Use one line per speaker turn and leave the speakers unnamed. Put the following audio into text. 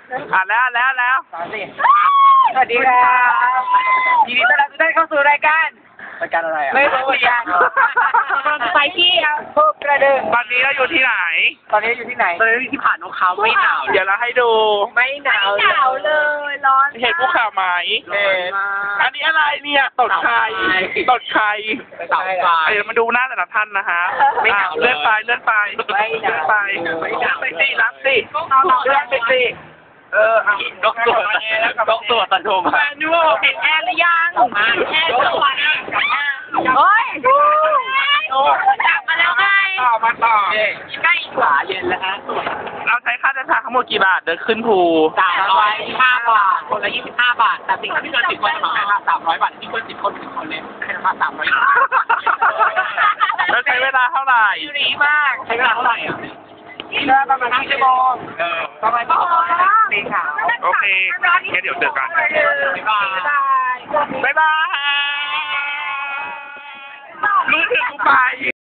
แล้ว
สวัสดีครับยินดีต้อนรับทุกท่านเข้าสู่รายการอะไรอ่ะไม่รู้เหมือนกันไปที่ภูกระดึง
ตอนนี้เราอยู่ที่ไหน
ตอนนี้อยู่ที่ไหนตอนนี้ที่ผ่านนกเขาไม่หนาว
เดี๋ยวเราให้ดู
ไม่หนาวเลยร้อน
เห็นภูเขาไหม
เห็น
อันนี้อะไรเนี่ยตดใคร
เต่าไฟ
เดี๋ยวมาดูหน้าแต่ละท่านนะฮะ
ไม่หนาว
เลื่อนไปเลื่อนไป
ไม่หนาว
ไป
ไม่หนาว
ไปสิรับสิเลื่อนไปสิ
นกตัวตันโทมา
แมนยูเห็นแอร์หรือยัง
แค่ตัวนะเฮ้ยจับมาแล้วไง
ต่อ
ใกล้ขวาเย็นแล้วฮะ
เราใช้ค่าเดินทางทั้งหมดกี่บาทเดินขึ้นภู
325 บาทคนละ25 บาทแต่สิ่งที่เกิน10คนจะมาให้ค่า300 บาทที่เกิน10คน1คนเลยให้ราคา300 บาท
แล้วใช้เวลาเท่าไหร่
ดีมากใช้เวลาเท่าไหร่อ่ะประมาณ5 ชั่วโมงประมาณปีขาว
โอเคงั้นเดี๋ยวเจอกัน
บ๊ายบาย
บ๊ายบายมือถือกูไป